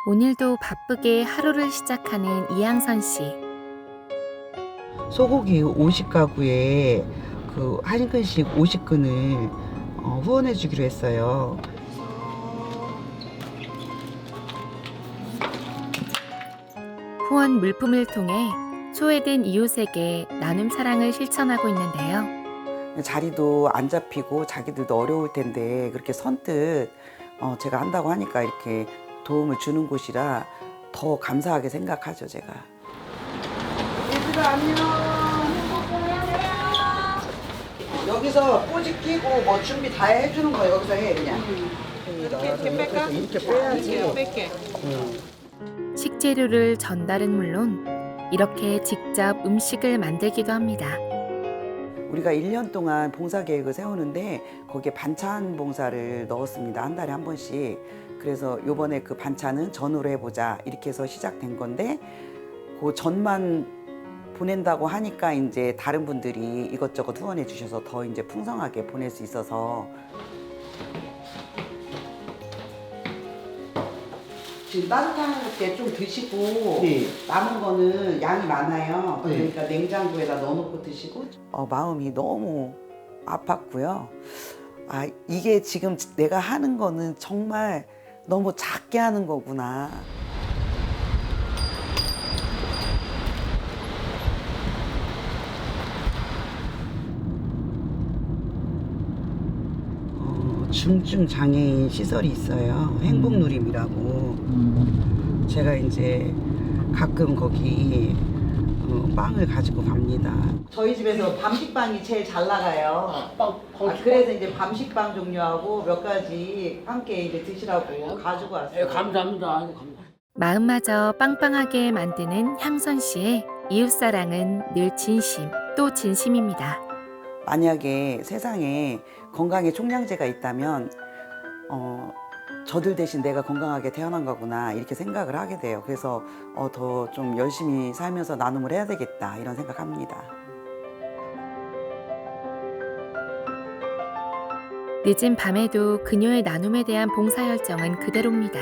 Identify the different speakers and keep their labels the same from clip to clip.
Speaker 1: 오늘도 바쁘게 하루를 시작하는 이항선 씨.
Speaker 2: 소고기 50가구에 그 한 근씩 50근을 후원해 주기로 했어요.
Speaker 1: 후원 물품을 통해 소외된 이웃에게 나눔 사랑을 실천하고 있는데요.
Speaker 2: 자리도 안 잡히고 자기들도 어려울 텐데 그렇게 선뜻 제가 한다고 하니까 이렇게 도움을 주는 곳이라 더 감사하게 생각하죠, 제가. 얘들아 안녕. 여기서 꼬지 끼고 뭐 준비 다 해주는 거 여기서 해 그냥. 이렇게 뺄까? 이렇게 빼야지. 뺄게.
Speaker 1: 식재료를 전달은 물론 이렇게 직접 음식을 만들기도 합니다.
Speaker 2: 우리가 1년 동안 봉사 계획을 세우는데 거기에 반찬 봉사를 넣었습니다. 한 달에 한 번씩. 그래서 요번에 그 반찬은 전으로 해보자 이렇게 해서 시작된 건데 그 전만 보낸다고 하니까 이제 다른 분들이 이것저것 후원해 주셔서 더 이제 풍성하게 보낼 수 있어서 지금 따뜻한 때 좀 드시고
Speaker 3: 네.
Speaker 2: 남은 거는 양이 많아요.
Speaker 3: 네.
Speaker 2: 그러니까 냉장고에다 넣어놓고 드시고 마음이 너무 아팠고요. 아 이게 지금 내가 하는 거는 정말 너무 작게 하는 거구나. 중증 장애인 시설이 있어요. 행복누림이라고. 제가 이제 가끔 거기 빵을 가지고 갑니다. 저희 집에서 밤식빵이 제일 잘 나가요. 그래서 이제 밤식빵 종류하고 몇 가지 함께 이제 드시라고 가지고 왔어요.
Speaker 3: 감사합니다. 아이고, 감사합니다.
Speaker 1: 마음마저 빵빵하게 만드는 향선 씨의 이웃사랑은 늘 진심 또 진심입니다.
Speaker 2: 만약에 세상에 건강에 총량제가 있다면 저들 대신 내가 건강하게 태어난 거구나 이렇게 생각을 하게 돼요. 그래서 더 좀 열심히 살면서 나눔을 해야 되겠다 이런 생각합니다.
Speaker 1: 늦은 밤에도 그녀의 나눔에 대한 봉사 열정은 그대로입니다.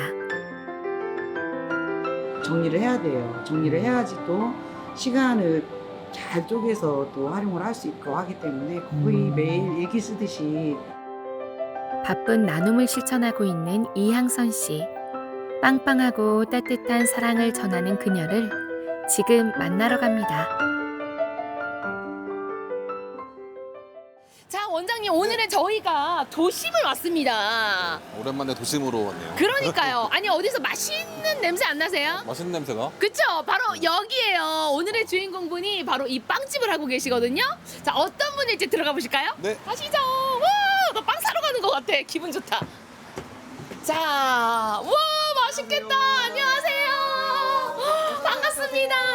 Speaker 2: 정리를 해야 돼요. 정리를 해야지 또 시간을 잘 쪼개서 또 활용을 할 수 있고 하기 때문에 거의 매일 일기 쓰듯이
Speaker 1: 바쁜 나눔을 실천하고 있는 이항선 씨. 빵빵하고 따뜻한 사랑을 전하는 그녀를 지금 만나러 갑니다.
Speaker 4: 자, 원장님, 오늘은 저희가 도심을 왔습니다.
Speaker 5: 오랜만에 도심으로 왔네요.
Speaker 4: 그러니까요. 아니, 어디서 맛있는 냄새 안 나세요?
Speaker 5: 맛있는 냄새가?
Speaker 4: 그쵸? 바로 여기에요. 오늘의 주인공분이 바로 이 빵집을 하고 계시거든요. 자, 어떤 분일지 들어가 보실까요?
Speaker 5: 네.
Speaker 4: 가시죠. 와, 나 빵 사러 가는 것 같아. 기분 좋다. 자, 와, 맛있겠다. 안녕하세요. 반갑습니다.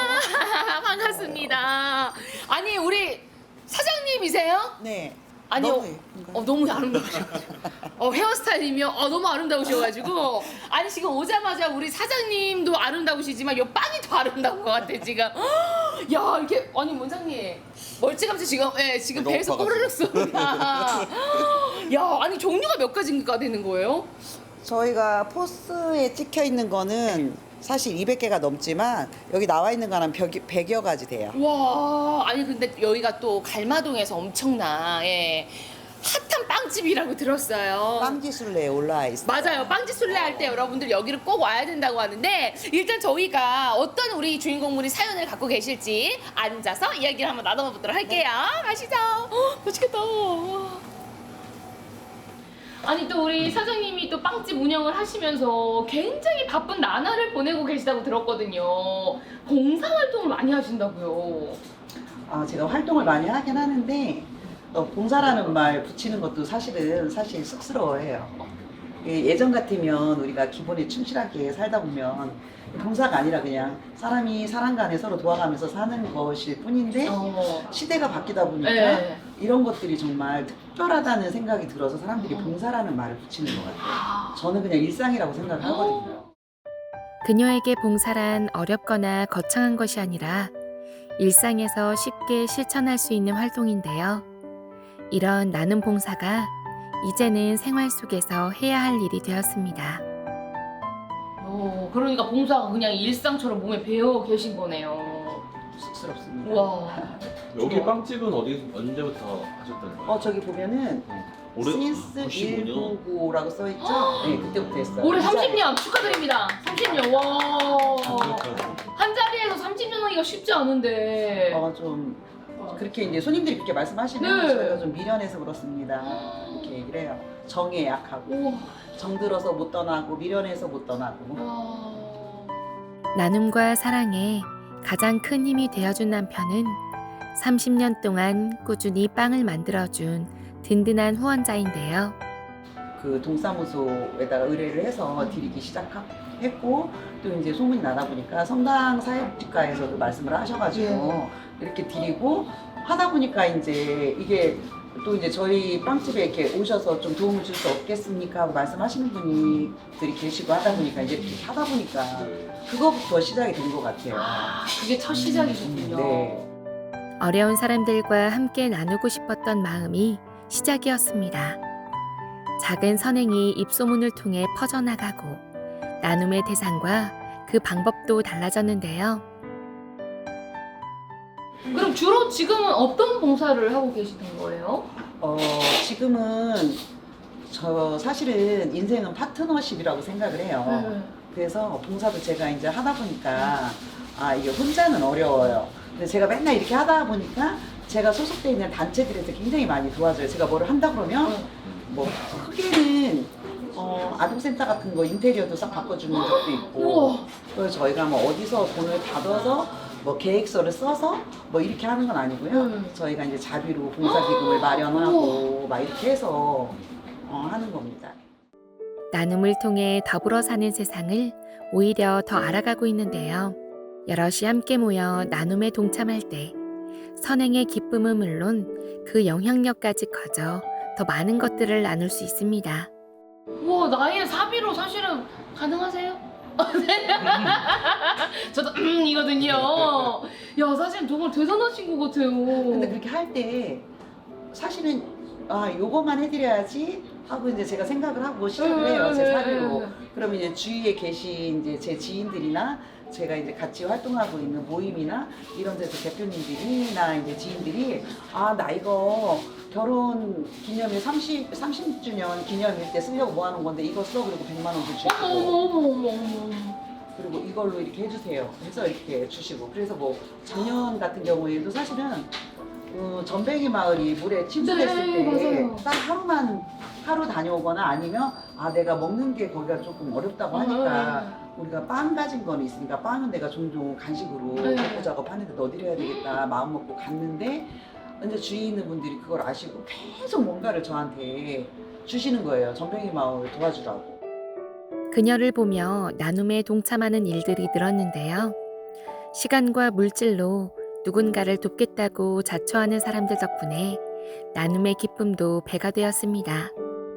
Speaker 4: 반갑습니다. 아니, 우리 사장님이세요?
Speaker 2: 네.
Speaker 4: 아니요.
Speaker 2: 너무 예쁜가요?
Speaker 4: 너무 아름다우셔가지고. 헤어스타일이며 너무 아름다우셔가지고. 아니, 지금 오자마자 우리 사장님도 아름다우시지만 요 빵이 더 아름다운 것 같아, 지금. 야, 이렇게. 아니, 원장님. 멀찌감치 지금, 지금
Speaker 5: 너무
Speaker 4: 배에서
Speaker 5: 아파가지고.
Speaker 4: 꼬르륵 쏜다. 야, 아니, 종류가 몇 가지가 되는 거예요?
Speaker 2: 저희가 포스에 찍혀 있는 거는 사실 200개가 넘지만 여기 나와 있는 거는 100여 가지 돼요.
Speaker 4: 와, 아니, 근데 여기가 또 갈마동에서 엄청나, 핫한 빵집이라고 들었어요.
Speaker 2: 빵지술래에 올라와 있어요.
Speaker 4: 맞아요. 빵집 술래 할 때 여러분들 여기를 꼭 와야 된다고 하는데 일단 저희가 어떤 우리 주인공분이 사연을 갖고 계실지 앉아서 이야기를 한번 나눠보도록 할게요. 가시죠. 맛있겠다. 아니 또 우리 사장님이 또 빵집 운영을 하시면서 굉장히 바쁜 나날을 보내고 계시다고 들었거든요. 봉사활동을 많이 하신다고요.
Speaker 2: 제가 활동을 많이 하긴 하는데 봉사라는 말 붙이는 것도 사실 쑥스러워해요. 예전 같으면 우리가 기본에 충실하게 살다 보면 봉사가 아니라 그냥 사람이 사람 간에 서로 도와가면서 사는 것일 뿐인데 시대가 바뀌다 보니까
Speaker 4: 네.
Speaker 2: 이런 것들이 정말 특별하다는 생각이 들어서 사람들이 봉사라는 말을 붙이는 것 같아요. 저는 그냥 일상이라고 생각을 하거든요.
Speaker 1: 그녀에게 봉사란 어렵거나 거창한 것이 아니라 일상에서 쉽게 실천할 수 있는 활동인데요. 이런 나눔 봉사가 이제는 생활 속에서 해야 할 일이 되었습니다.
Speaker 4: 그러니까 봉사가 그냥 일상처럼 몸에 배어 계신 거네요.
Speaker 2: 쑥스럽습니다.
Speaker 4: 우와.
Speaker 3: 여기 빵집은 언제부터 하셨다는 거예요?
Speaker 2: 저기 보면은
Speaker 3: 올해
Speaker 2: 신스
Speaker 3: 95년?
Speaker 2: 199라고 써있죠? 네, 그때부터 했어요.
Speaker 4: 올해
Speaker 2: 이 자리.
Speaker 4: 30년 축하드립니다. 30년. 와. 한 자리에서 30년 하기가 쉽지 않은데.
Speaker 2: 좀 그렇게 이제 손님들이 그렇게 말씀하시면
Speaker 4: 네.
Speaker 2: 저희가 좀 미련해서 그렇습니다. 이렇게 얘기를 해요. 정에 약하고
Speaker 4: 우와.
Speaker 2: 정들어서 못 떠나고 미련해서 못 떠나고.
Speaker 4: 와.
Speaker 1: 나눔과 사랑에 가장 큰 힘이 되어준 남편은 30년 동안 꾸준히 빵을 만들어준 든든한 후원자인데요.
Speaker 2: 그 동사무소에다가 의뢰를 해서 드리기 시작했고 또 이제 소문이 나다 보니까 성당 사회복지과에서도 말씀을 하셔가지고 이렇게 드리고 하다 보니까 이제 이게 또 이제 저희 빵집에 이렇게 오셔서 좀 도움을 줄 수 없겠습니까 하고 말씀하시는 분들이 계시고 하다 보니까 이제 이렇게 하다 보니까 그거부터 시작이 된 것 같아요.
Speaker 4: 그게 첫 시작이셨군요.
Speaker 2: 네.
Speaker 1: 어려운 사람들과 함께 나누고 싶었던 마음이 시작이었습니다. 작은 선행이 입소문을 통해 퍼져나가고 나눔의 대상과 그 방법도 달라졌는데요.
Speaker 4: 그럼 주로 지금은 어떤 봉사를 하고 계시는 거예요?
Speaker 2: 지금은 저 사실은 인생은 파트너십이라고 생각을 해요.
Speaker 4: 네.
Speaker 2: 그래서 봉사도 제가 이제 하다 보니까 이게 혼자는 어려워요. 근데 제가 맨날 이렇게 하다 보니까 제가 소속되어 있는 단체들에서 굉장히 많이 도와줘요. 제가 뭐를 한다 그러면 뭐 크게는 아동센터 같은 거 인테리어도 싹 바꿔주는 적도 있고
Speaker 4: 우와.
Speaker 2: 그래서 저희가 뭐 어디서 돈을 받아서 뭐 계획서를 써서 뭐 이렇게 하는 건 아니고요. 저희가 이제 자비로 봉사기금을 마련하고 막 이렇게 해서 하는 겁니다.
Speaker 1: 나눔을 통해 더불어 사는 세상을 오히려 더 알아가고 있는데요. 여럿이 함께 모여 나눔에 동참할 때 선행의 기쁨은 물론 그 영향력까지 커져 더 많은 것들을 나눌 수 있습니다.
Speaker 4: 우와, 나이에 사비로 사실은 가능하세요? 저도 이거든요. 야, 사실 정말 대단하신 것 같아요.
Speaker 2: 근데 그렇게 할 때 사실은 요거만 해드려야지 하고 이제 제가 생각을 하고 시작을 해요. 제 사비로. 그러면 이제 주위에 계신 이제 제 지인들이나 제가 이제 같이 활동하고 있는 모임이나 이런 데서 대표님들이나 이제 지인들이 나 이거 결혼 기념일 30주년 기념일 때 쓰려고 모아놓은 건데 이거 써 그리고 100만 원도 주시고
Speaker 4: 어머.
Speaker 2: 그리고 이걸로 이렇게 해주세요 해서 이렇게 주시고 그래서 뭐 작년 같은 경우에도 사실은 전뱅이 마을이 물에 침수됐을
Speaker 4: 네,
Speaker 2: 때
Speaker 4: 맞아요.
Speaker 2: 딱 하루 다녀오거나 아니면 내가 먹는 게 거기가 조금 어렵다고 하니까 우리가 빵 가진 거는 있으니까 빵은 내가 종종 간식으로 벽고 작업하는데 넣어드려야 되겠다 마음 먹고 갔는데 이제 주위에 있는 분들이 그걸 아시고 계속 뭔가를 저한테 주시는 거예요. 전뱅이 마을 도와주라고.
Speaker 1: 그녀를 보며 나눔에 동참하는 일들이 늘었는데요. 시간과 물질로 누군가를 돕겠다고 자처하는 사람들 덕분에 나눔의 기쁨도 배가 되었습니다.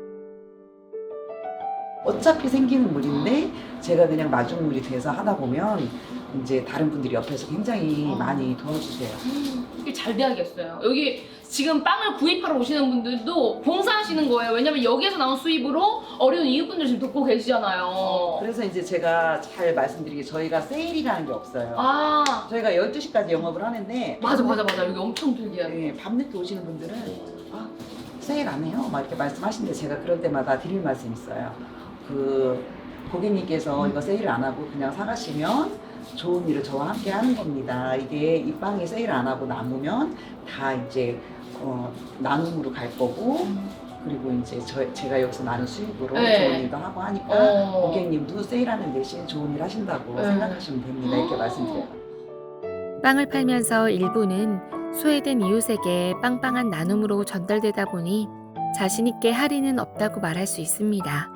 Speaker 2: 어차피 생기는 물인데 제가 그냥 마중물이 돼서 하다 보면 이제 다른 분들이 옆에서 굉장히 많이 도와주세요.
Speaker 4: 이게 잘 돼야겠어요. 여기 지금 빵을 구입하러 오시는 분들도 봉사하시는 거예요. 왜냐면 여기에서 나온 수입으로 어려운 이웃분들 지금 돕고 계시잖아요.
Speaker 2: 그래서 이제 제가 잘 말씀드리게 저희가 세일이라는 게 없어요. 저희가 12시까지 영업을 하는데
Speaker 4: 맞아. 여기 엄청 들게.
Speaker 2: 밤늦게 오시는 분들은 세일 안 해요? 막 이렇게 말씀하시는데 제가 그럴 때마다 드릴 말씀이 있어요. 그 고객님께서 이거 세일 안 하고 그냥 사가시면 좋은 일을 저와 함께 하는 겁니다. 이게 이 빵이 세일 안 하고 남으면 다 이제 나눔으로 갈 거고 그리고 이제 제가 여기서 나는 수익으로 좋은 일도 하고 하니까 고객님도 세일하는 대신 좋은 일 하신다고 생각하시면 됩니다. 이렇게 말씀드려요.
Speaker 1: 빵을 팔면서 일부는 소외된 이웃에게 빵빵한 나눔으로 전달되다 보니 자신 있게 할인은 없다고 말할 수 있습니다.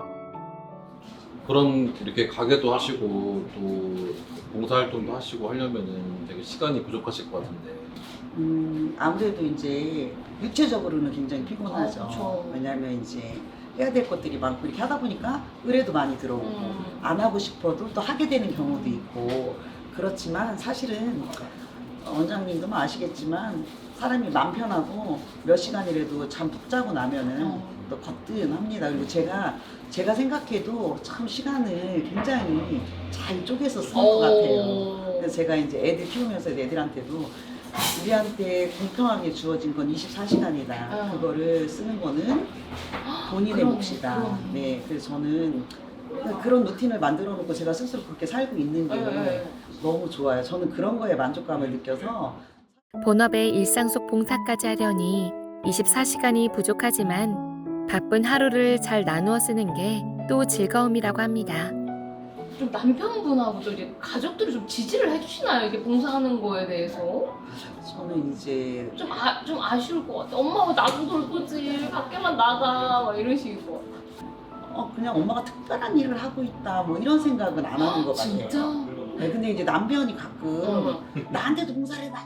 Speaker 3: 그럼 이렇게 가게도 하시고 또 봉사활동도 하시고 하려면은 되게 시간이 부족하실 것 같은데.
Speaker 2: 아무래도 이제 육체적으로는 굉장히 피곤하죠.
Speaker 4: 그쵸.
Speaker 2: 왜냐하면 이제 해야 될 것들이 많고 이렇게 하다 보니까 의뢰도 많이 들어오고 안 하고 싶어도 또 하게 되는 경우도 있고 그렇지만 사실은 원장님도 아시겠지만 사람이 맘 편하고 몇 시간이라도 잠 푹 자고 나면은 또 거뜬합니다. 그리고 제가 생각해도 참 시간을 굉장히 잘 쪼개서 쓰는 것 같아요. 그래서 제가 이제 애들 키우면서 애들한테도 우리한테 공평하게 주어진 건 24시간이다. 그거를 쓰는 거는 본인의
Speaker 4: 그러네,
Speaker 2: 몫이다.
Speaker 4: 그러네.
Speaker 2: 네, 그래서 저는 그런 루틴을 만들어 놓고 제가 스스로 그렇게 살고 있는 게 너무 좋아요. 저는 그런 거에 만족감을 느껴서
Speaker 1: 본업에 일상 속 봉사까지 하려니 24시간이 부족하지만 바쁜 하루를 잘 나누어 쓰는 게 또 즐거움이라고 합니다.
Speaker 4: 좀 남편분하고도 이제 가족들이 좀 지지를 해주시나요? 이게 봉사하는 거에 대해서?
Speaker 2: 저는 이제
Speaker 4: 좀 아쉬울 것 같아. 엄마가 나도 놀 거지. 밖에만 나가. 막 이런 식이고.
Speaker 2: 그냥 엄마가 특별한 일을 하고 있다 뭐 이런 생각은 안 하는 것 같아요.
Speaker 4: 진짜?
Speaker 2: 네, 근데 이제 남편이 가끔 나한테도 봉사를 해봐.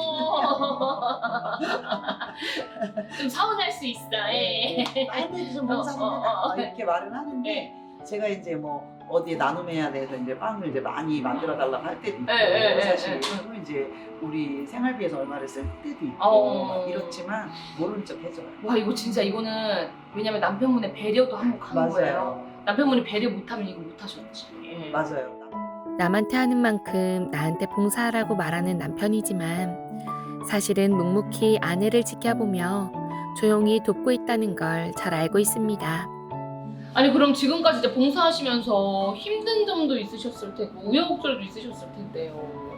Speaker 4: 좀 서운할 수 있어. 예.
Speaker 2: 나한테도 좀 봉사 좀 해봐. 이렇게 말은 하는데 제가 이제 뭐 어디에 나눔해야 돼서 이제 빵을 이제 많이 만들어 달라고 할 때도 있고 사실 또 이제 우리 생활비에서 얼마를 쓸 때도 있고 막 이렇지만 모르는 척 해줘요.
Speaker 4: 와 이거 진짜 이거는 왜냐면 남편분의 배려도 한몫하는 거예요.
Speaker 2: 맞아요.
Speaker 4: 남편분이 배려 못하면 이거 못하셨지. 예.
Speaker 2: 맞아요.
Speaker 1: 남한테 하는 만큼 나한테 봉사하라고 말하는 남편이지만 사실은 묵묵히 아내를 지켜보며 조용히 돕고 있다는 걸 잘 알고 있습니다.
Speaker 4: 아니 그럼 지금까지 이제 봉사하시면서 힘든 점도 있으셨을 테고 우여곡절도 있으셨을 텐데요.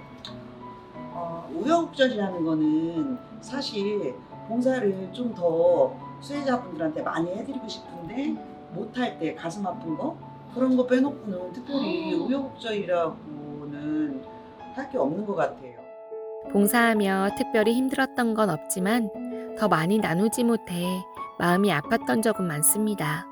Speaker 2: 우여곡절이라는 거는 사실 봉사를 좀 더 수혜자분들한테 많이 해드리고 싶은데 못할 때 가슴 아픈 거 그런 거 빼놓고는 특별히 우여곡절이라고는 할 게 없는 것 같아요.
Speaker 1: 봉사하며 특별히 힘들었던 건 없지만 더 많이 나누지 못해 마음이 아팠던 적은 많습니다.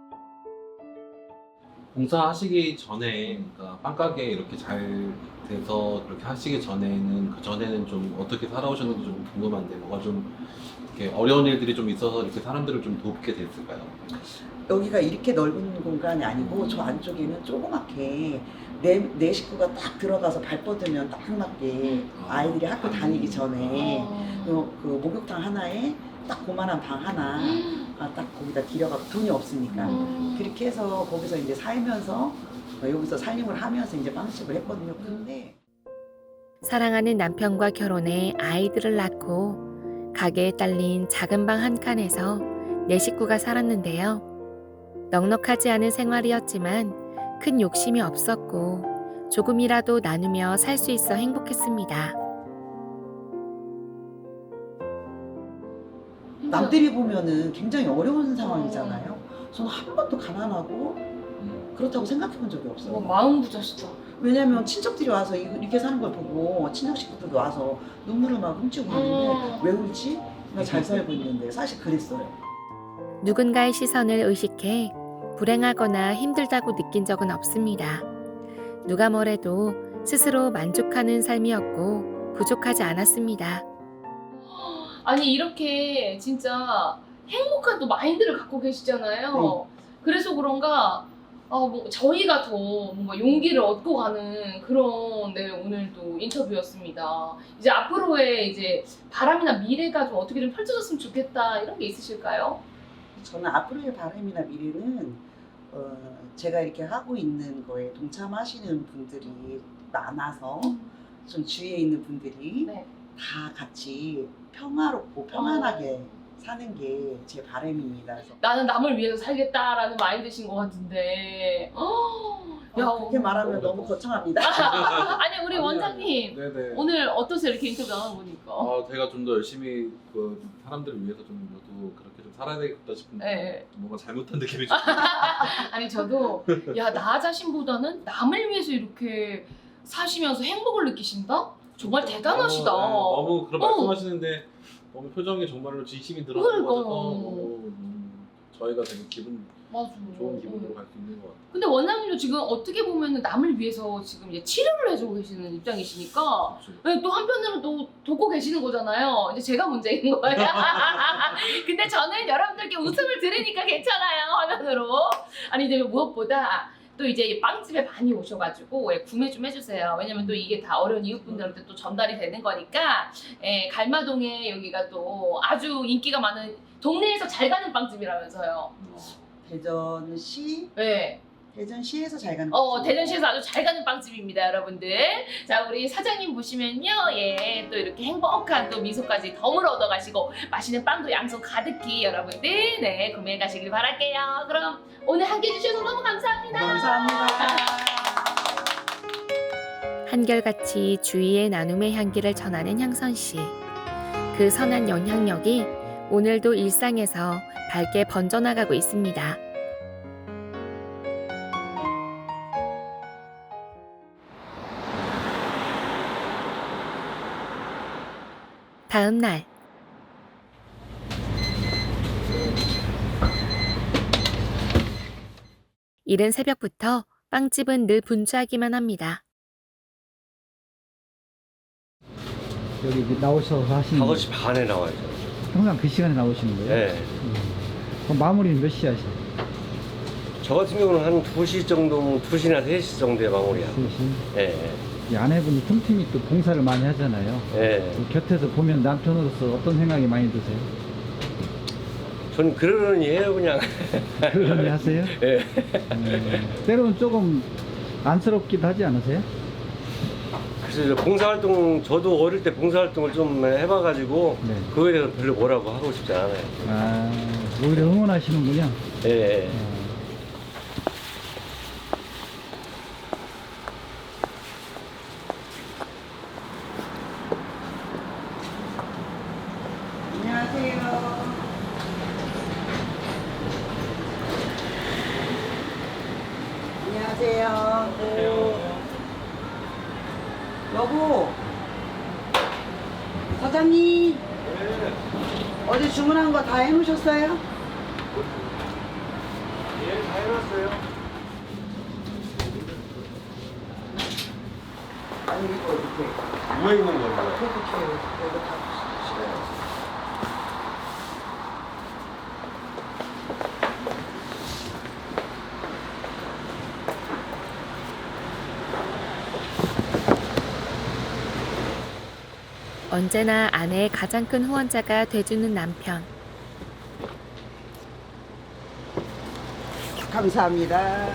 Speaker 3: 봉사하시기 전에, 그러니까 빵가게 이렇게 잘 돼서 그렇게 하시기 전에는, 그 전에는 좀 어떻게 살아오셨는지 좀 궁금한데, 뭐가 좀 이렇게 어려운 일들이 좀 있어서 이렇게 사람들을 좀 돕게 됐을까요?
Speaker 2: 여기가 이렇게 넓은 공간이 아니고 저 안쪽에는 조그맣게 내 식구가 딱 들어가서 발 뻗으면 딱 맞게 아이들이 학교 다니기 전에 그 목욕탕 하나에 딱 그만한 방 하나 딱 거기다 들여갖고 돈이 없으니까 그렇게 해서 거기서 이제 살면서 여기서 살림을 하면서 이제 빵집을 했거든요. 근데
Speaker 1: 사랑하는 남편과 결혼해 아이들을 낳고 가게에 딸린 작은 방 한 칸에서 네 식구가 살았는데요. 넉넉하지 않은 생활이었지만 큰 욕심이 없었고 조금이라도 나누며 살 수 있어 행복했습니다.
Speaker 2: 남들이 보면은 굉장히 어려운 상황이잖아요. 저는 한 번도 가난하고 그렇다고 생각해 본 적이 없어요.
Speaker 4: 마음 부자시다.
Speaker 2: 왜냐면 친척들이 와서 이렇게 사는 걸 보고 친척 식구들도 와서 눈물을 막 훔치고 하는데 왜 울지? 나 잘 살고 있는데 사실 그랬어요.
Speaker 1: 누군가의 시선을 의식해 불행하거나 힘들다고 느낀 적은 없습니다. 누가 뭐래도 스스로 만족하는 삶이었고 부족하지 않았습니다.
Speaker 4: 아니 이렇게 진짜 행복한 또 마인드를 갖고 계시잖아요. 그래서 그런가 저희가 더 뭔가 용기를 얻고 가는 그런 오늘도 인터뷰였습니다. 이제 앞으로의 이제 바람이나 미래가 좀 어떻게 좀 펼쳐졌으면 좋겠다 이런 게 있으실까요?
Speaker 2: 저는 앞으로의 바람이나 미래는 제가 이렇게 하고 있는 거에 동참하시는 분들이 많아서 좀 주위에 있는 분들이 다 같이 평화롭고 평안하게 사는 게 제 바람입니다. 그래서
Speaker 4: 나는 남을 위해서 살겠다라는 마인드신 것 같은데.
Speaker 2: 그렇게 말하면 너무 거창합니다.
Speaker 4: 아니 우리 원장님
Speaker 3: 네네.
Speaker 4: 오늘 어떠세요? 이렇게 인터뷰 나눠보니까.
Speaker 3: 제가 좀 더 열심히 그 사람들을 위해서 좀 저도 그렇게 좀 살아야 되겠다 싶은데 뭔가 잘못한 느낌이 좀
Speaker 4: 아니 저도 나 자신보다는 남을 위해서 이렇게 사시면서 행복을 느끼신다? 정말 대단하시다.
Speaker 3: 너무 그런 말씀하시는데 너무 표정에 정말로 진심이 들어가서 너무 저희가 되게 기분
Speaker 4: 맞아.
Speaker 3: 좋은 기분으로 갈 수 있는 것 같아요.
Speaker 4: 근데 원장님도 지금 어떻게 보면 남을 위해서 지금 이제 치료를 해주고 계시는 입장이시니까 또 한편으로는 또 돕고 계시는 거잖아요. 이제 제가 문제인 거예요. 근데 저는 여러분들께 웃음을 들으니까 괜찮아요, 화면으로. 아니 이제 무엇보다 또 이제 빵집에 많이 오셔가지고 구매 좀 해주세요. 왜냐면 또 이게 다 어려운 이웃분들한테 또 전달이 되는 거니까 갈마동에 여기가 또 아주 인기가 많은 동네에서 잘 가는 빵집이라면서요.
Speaker 2: 대전시
Speaker 4: 네.
Speaker 2: 대전시에서 잘 가는
Speaker 4: 대전시에서 아주 잘 가는 빵집입니다, 여러분들. 자, 우리 사장님 보시면요, 예, 또 이렇게 행복한 또 미소까지 덤을 얻어가시고 맛있는 빵도 양손 가득히 여러분들 네 구매해 가시길 바랄게요. 그럼 오늘 함께 해주셔서 너무 감사합니다.
Speaker 2: 감사합니다.
Speaker 1: 한결같이 주위의 나눔의 향기를 전하는 향선 씨. 그 선한 영향력이 오늘도 일상에서 밝게 번져나가고 있습니다. 다음 날. 이른 새벽부터 빵집은 늘 분주하기만 합니다.
Speaker 5: 여기 나오셔서 하시는 거예요?
Speaker 6: 5시 반에 나와야죠.
Speaker 5: 항상 그 시간에 나오시는 거예요?
Speaker 6: 네.
Speaker 5: 그럼 마무리는 몇 시에 하세요?
Speaker 6: 저 같은 경우는 한 2시 정도, 2시나 3시 정도에 마무리야.
Speaker 5: 3시?
Speaker 6: 예,
Speaker 5: 이 아내분이 틈틈이 또 봉사를 많이 하잖아요.
Speaker 6: 예.
Speaker 5: 그 곁에서 보면 남편으로서 어떤 생각이 많이 드세요?
Speaker 6: 전 그러려니 해요, 그냥.
Speaker 5: 그런 일 하세요?
Speaker 6: 예.
Speaker 5: 때로는 조금 안쓰럽기도 하지 않으세요?
Speaker 6: 그래서 봉사활동, 저도 어릴 때 봉사활동을 좀 해봐가지고,
Speaker 5: 네.
Speaker 6: 그거에 대해서 별로 뭐라고 하고 싶지 않아요.
Speaker 5: 아, 오히려 응원하시는군요.
Speaker 6: 예, 예.
Speaker 2: 안녕하세요. 안녕하세요. 여보. 사장님. 어제 주문한 거 다 해놓으셨어요?
Speaker 6: 예, 다 해놨어요.
Speaker 2: 아니 이거 이렇게.
Speaker 6: 누워 있는 거예요.
Speaker 2: 이렇게 이거 다 실어요.
Speaker 1: 언제나 아내의 가장 큰 후원자가 돼주는 남편.
Speaker 2: 감사합니다.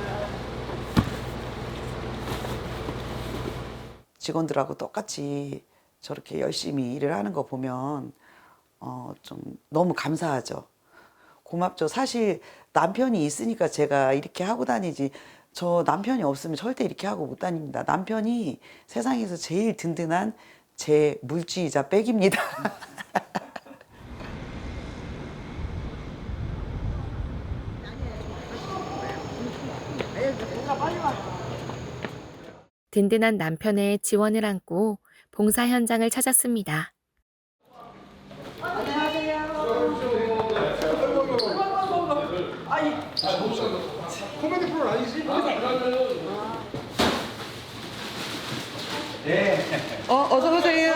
Speaker 2: 직원들하고 똑같이 저렇게 열심히 일을 하는 거 보면 좀 너무 감사하죠. 고맙죠. 사실 남편이 있으니까 제가 이렇게 하고 다니지 저 남편이 없으면 절대 이렇게 하고 못 다닙니다. 남편이 세상에서 제일 든든한 제 물지이자 백입니다.
Speaker 1: 든든한 남편의 지원을 안고 봉사 현장을 찾았습니다.
Speaker 2: 어서 오세요.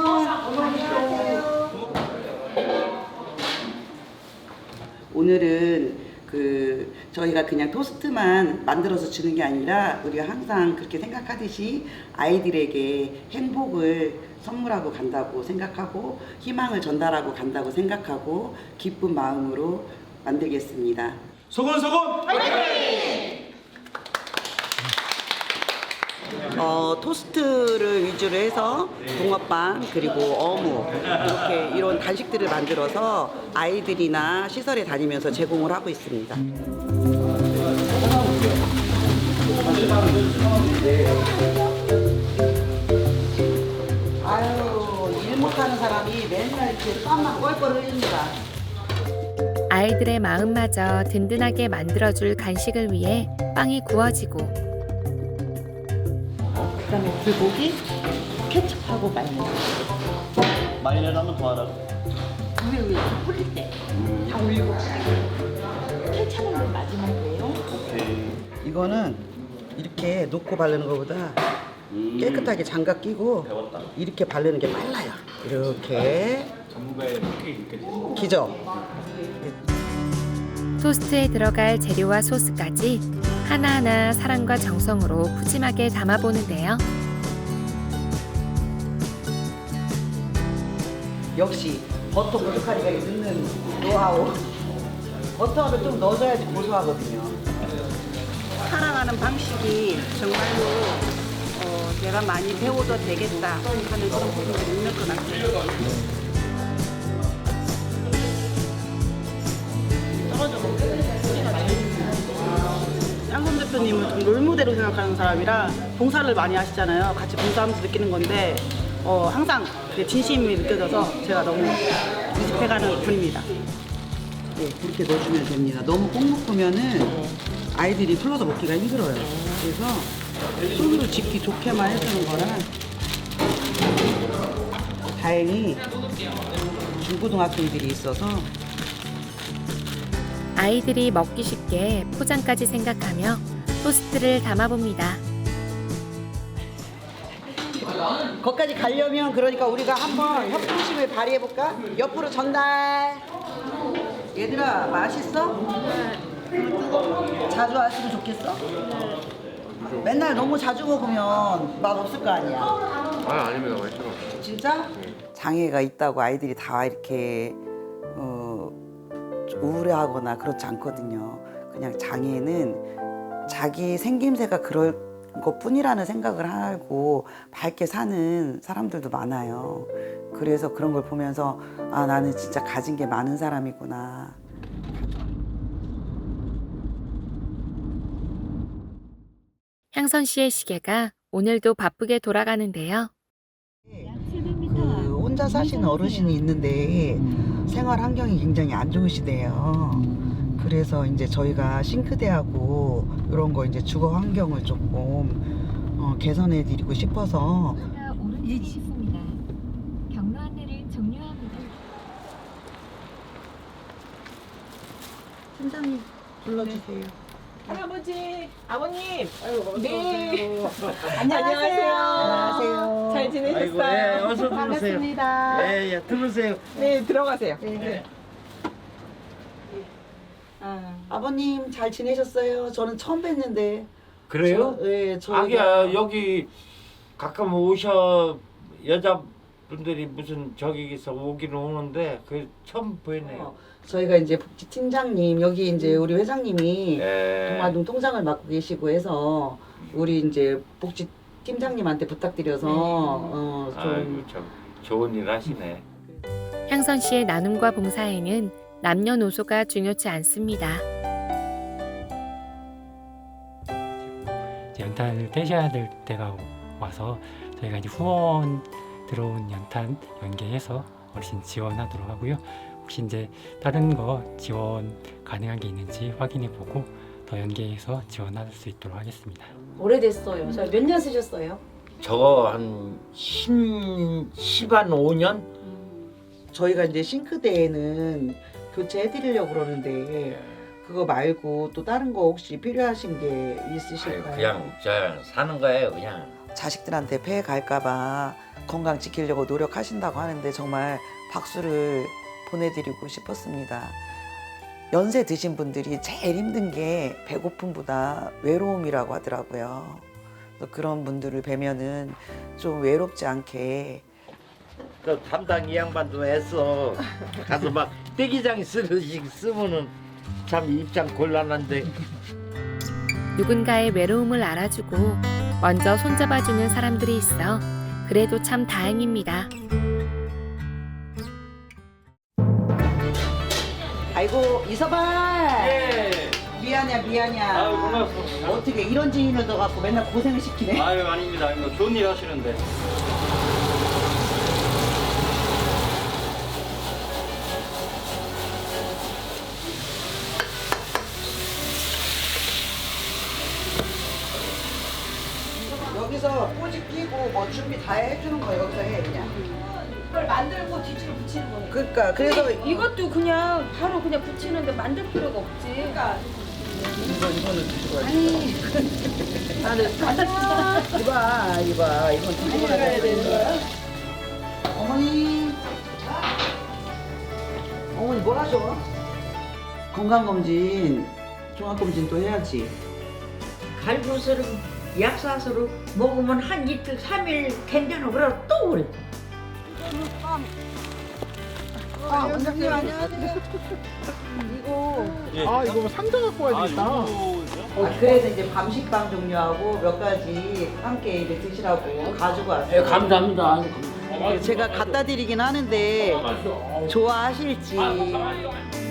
Speaker 2: 오늘은 저희가 그냥 토스트만 만들어서 주는 게 아니라 우리가 항상 그렇게 생각하듯이 아이들에게 행복을 선물하고 간다고 생각하고 희망을 전달하고 간다고 생각하고 기쁜 마음으로 만들겠습니다.
Speaker 7: 소곤소곤
Speaker 2: 토스트를 위주로 해서 붕어빵 그리고 어묵 이렇게 이런 간식들을 만들어서 아이들이나 시설에 다니면서 제공을 하고 있습니다. 아유, 일 못하는 사람이 맨날 이렇게 땀만 뻘뻘 흘립니다.
Speaker 1: 아이들의 마음마저 든든하게 만들어줄 간식을 위해 빵이 구워지고
Speaker 8: 그다음에 불고기, 케첩하고 마요네즈.
Speaker 7: 마요네즈 한번 더 하라고.
Speaker 8: 위에 뿌릴 때 다 올리고 케첩은 마지막이에요.
Speaker 7: 오케이.
Speaker 2: 이거는 이렇게 놓고 바르는 것보다 깨끗하게 장갑 끼고
Speaker 7: 배웠다.
Speaker 2: 이렇게 바르는 게 빨라요. 이렇게 기죠.
Speaker 1: 토스트에 들어갈 재료와 소스까지 하나하나 사랑과 정성으로 푸짐하게 담아보는데요.
Speaker 2: 역시 버터 고춧가루가 넣는 노하우. 버터를 좀 넣어줘야지 고소하거든요. 살아가는 방식이 정말로 내가 많이 배워도 되겠다 하는 그런 부분이 있는 것 같아요. 짱손 대표님은 좀 롤모델로 생각하는 사람이라 봉사를 많이 하시잖아요. 같이 봉사하면서 느끼는 건데 항상 그 진심이 느껴져서 제가 너무 인식해가는 분입니다. 네, 그렇게 넣어주면 됩니다. 너무 꼭 묶으면은 아이들이 풀러서 먹기가 힘들어요. 그래서 손으로 집기 좋게만 해주는 거라 다행히 중고등학생들이 있어서
Speaker 1: 아이들이 먹기 쉽게 포장까지 생각하며 토스트를 담아봅니다.
Speaker 2: 거기까지 가려면 그러니까 우리가 한번 협동심을 발휘해볼까? 옆으로 전달. 얘들아 맛있어? 자주 왔으면 좋겠어? 맨날 너무 자주 먹으면 맛 없을 거 아니야?
Speaker 6: 아닙니다. 맛있어.
Speaker 2: 진짜? 장애가 있다고 아이들이 다 이렇게 우울해하거나 그렇지 않거든요. 그냥 장애는 자기 생김새가 그럴 것뿐이라는 생각을 하고 밝게 사는 사람들도 많아요. 그래서 그런 걸 보면서 아 나는 진짜 가진 게 많은 사람이구나.
Speaker 1: 향선 씨의 시계가 오늘도 바쁘게 돌아가는데요.
Speaker 2: 그 혼자 사시는 어르신이 있는데 생활 환경이 굉장히 안 좋으시대요. 그래서 이제 저희가 싱크대하고 이런 거 이제 주거 환경을 조금 개선해 드리고 싶어서
Speaker 9: 오른쪽 있습니다. 경로 안내를 종료합니다.
Speaker 2: 팀장님 불러주세요.
Speaker 10: 할아버지, 아버님.
Speaker 2: 네.
Speaker 10: 안녕하세요.
Speaker 2: 안녕하세요.
Speaker 10: 잘 지내셨어요?
Speaker 5: 어서 들어오세요.
Speaker 10: 반갑습니다.
Speaker 5: 예, 들어오세요.
Speaker 10: 네, 들어가세요.
Speaker 2: 아버님 잘 지내셨어요? 저는 처음 뵀는데.
Speaker 11: 그래요?
Speaker 2: 네, 저
Speaker 11: 아기야 여기 가끔 오셔 여자분들이 무슨 저기서 오기는 오는데 그 처음 보이네요.
Speaker 2: 저희가 이제 복지팀장님 여기 이제 우리 회장님이
Speaker 11: 네.
Speaker 2: 동아동 통장을 맡고 계시고 해서 우리 이제 복지팀장님한테 부탁드려서 좀
Speaker 11: 아이고 참 좋은 일 하시네.
Speaker 1: 향선 씨의 나눔과 봉사에는 남녀노소가 중요치 않습니다.
Speaker 12: 연탄을 떼셔야 될 때가 와서 저희가 이제 후원 들어온 연탄 연계해서 어르신 지원하도록 하고요. 혹시 이제 다른 거 지원 가능한 게 있는지 확인해 보고 더 연계해서 지원할 수 있도록 하겠습니다.
Speaker 8: 오래됐어요. 저 몇 년 쓰셨어요?
Speaker 11: 저거 한 10한 5년?
Speaker 2: 저희가 이제 싱크대에는 교체해드리려고 그러는데 그거 말고 또 다른 거 혹시 필요하신 게 있으실까요?
Speaker 11: 그냥 저 사는 거예요 그냥.
Speaker 2: 자식들한테 폐해 갈까봐 건강 지키려고 노력하신다고 하는데 정말 박수를 보내드리고 싶었습니다. 연세 드신 분들이 제일 힘든 게 배고픔보다 외로움이라고 하더라고요. 그래서 그런 분들을 뵈면은 좀 외롭지 않게
Speaker 11: 그 담당 이 양반도 애써 가서 막 떼기장 쓰면은 참 입장 곤란한데.
Speaker 1: 누군가의 외로움을 알아주고 먼저 손잡아주는 사람들이 있어 그래도 참 다행입니다.
Speaker 2: 아이고 이서방
Speaker 11: 예.
Speaker 2: 미안이야
Speaker 11: 아유 고맙습니다.
Speaker 2: 어떻게 이런 지인을 넣어갖고 맨날 고생을 시키네.
Speaker 11: 아유 아닙니다. 이거 좋은 일 하시는데.
Speaker 2: 여기서 꼬지 끼고 뭐 준비 다 해주는 거 여기서 해 그냥.
Speaker 8: 이걸 만들고 뒤집어 붙이는 거니까.
Speaker 2: 그러니까 그래서
Speaker 8: 이것도 그냥 바로 그냥 붙이는데 만들 필요가 없지. 그러니까
Speaker 2: 이거는 뒤집어야 나는 이봐 이건 뒤집어야 되는 거야. 어머니 뭘 하셔? 건강검진 종합검진 또 해야지.
Speaker 8: 갈부스를 약사스로 먹으면 한 이틀 3일 괜찮아. 그러고 또 그래.
Speaker 10: 원장님 안녕하세요.
Speaker 7: 예.
Speaker 10: 아, 이거 상자 갖고 와야 되겠다.
Speaker 2: 그래서 이제 밤식빵 종류하고 몇 가지 함께 이제 드시라고 가지고 왔어요.
Speaker 11: 감사합니다.
Speaker 2: 제가 갖다 드리긴 하는데 좋아하실지.